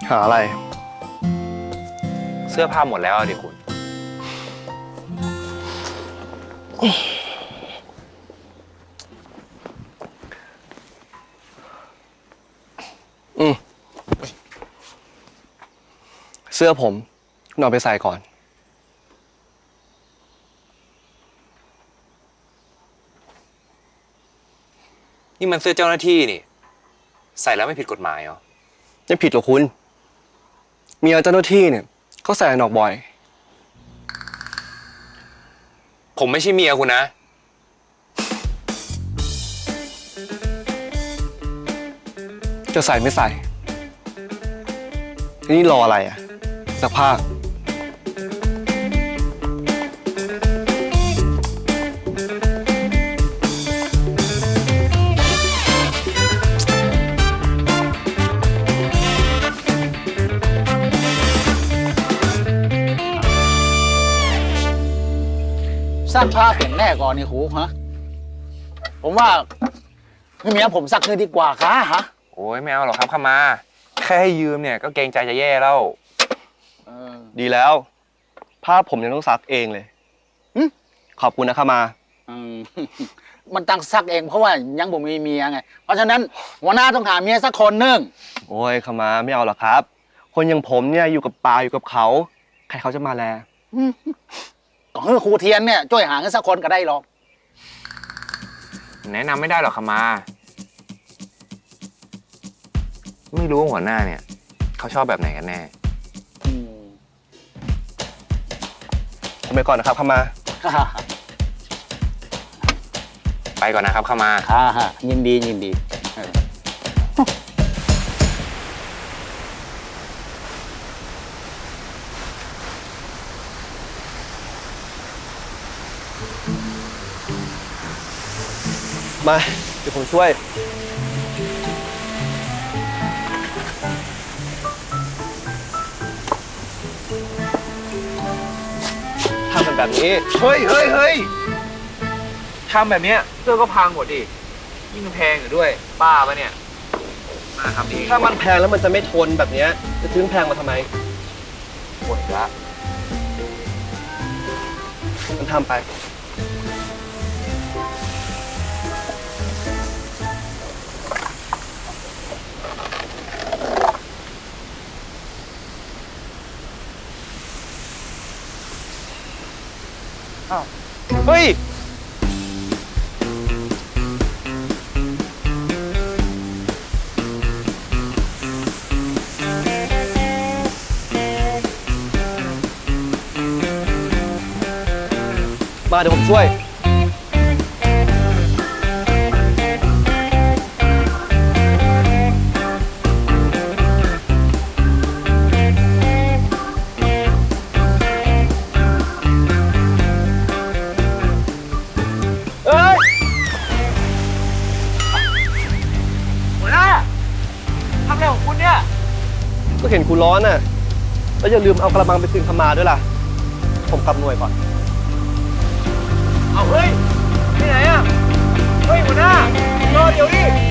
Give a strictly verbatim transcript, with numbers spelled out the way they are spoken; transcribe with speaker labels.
Speaker 1: หาอะไร
Speaker 2: เสื้อผ้าหมดแล้วดิคุณ
Speaker 1: อืมเสื้อผมนอนไปใส่ก่อน
Speaker 2: นี่มันเสื้อเจ้าหน้าที่นี่ใส่แล้วไม่ผิดกฎหมายเหรอ
Speaker 1: ไม่ผิดหรอกคุณเมียเจ้าหน้าที่เนี่ยเขาใส่หนอกบ่อย
Speaker 2: ผมไม่ใช่เมียคุณนะ
Speaker 1: จะใส่ไม่ใส่ทีนี้รออะไรอ่ะซักผ้า
Speaker 3: ซักผ้าเปลี่ยนแน่ก่อนนี่ครูฮะผมว่าให้เมียผมซักเลยดีกว่าค่ะฮะ
Speaker 2: โอ้ยไม่เอาหรอกครับเข้ามาแค่ให้ยืมเนี่ยก็เกรงใจจะแย่แล้ว
Speaker 1: ดีแล้วผ้าผมยังต้องซักเองเลยขอบคุณนะครับมา
Speaker 3: มันตั้งซักเองเพราะว่ายังบ่มีเมียไงเพราะฉะนั้นหัวหน้าต้องหาเมียสักคนนึง
Speaker 1: โอ้ยขมาไม่เอาหรอกครับคนอย่างผมเนี่ยอยู่กับป่าอยู่กับเขาใครเขาจะมาแล
Speaker 3: ก็คือครูเทียนเนี่ยช่วยหาเงินสักคนก็ได้หรอก
Speaker 2: แนะนำไม่ได้หรอกขมาไม่รู้ว่าหัวหน้าเนี่ยเขาชอบแบบไหนกันแน่
Speaker 1: ผมไปก่อนนะครับขมา
Speaker 2: ไปก่อนนะครับขมา
Speaker 3: ฮ่าฮ่ายินดียินดี
Speaker 1: มาเดี๋ยวผมช่วยทำกันแบบนี้
Speaker 2: เฮ้ยเฮ้ยเฮ้ยทำแบบนี้เสื้อก็พังหมดดิยิ่งแพงอยู่ด้วยบ้าปะเนี่ยมาทำเอง
Speaker 1: ถ้ามันแพงแล้วมันจะไม่ทนแบบนี้จะซื้อแพงมาทำไม
Speaker 2: หมดละ
Speaker 1: มันทำไป
Speaker 2: เฮ้ย
Speaker 1: มาเดี๋ยวผมช่วยก็เห็นคุณร้อนน่ะแล้วอย่าลืมเอากระมังไปคืนขมาด้วยล่ะผมกลับหน่วยก่อน
Speaker 2: เอาเฮ้ยไปไหนอ่ะเฮ้ยหัวหน้ารอเดี๋ยวดิ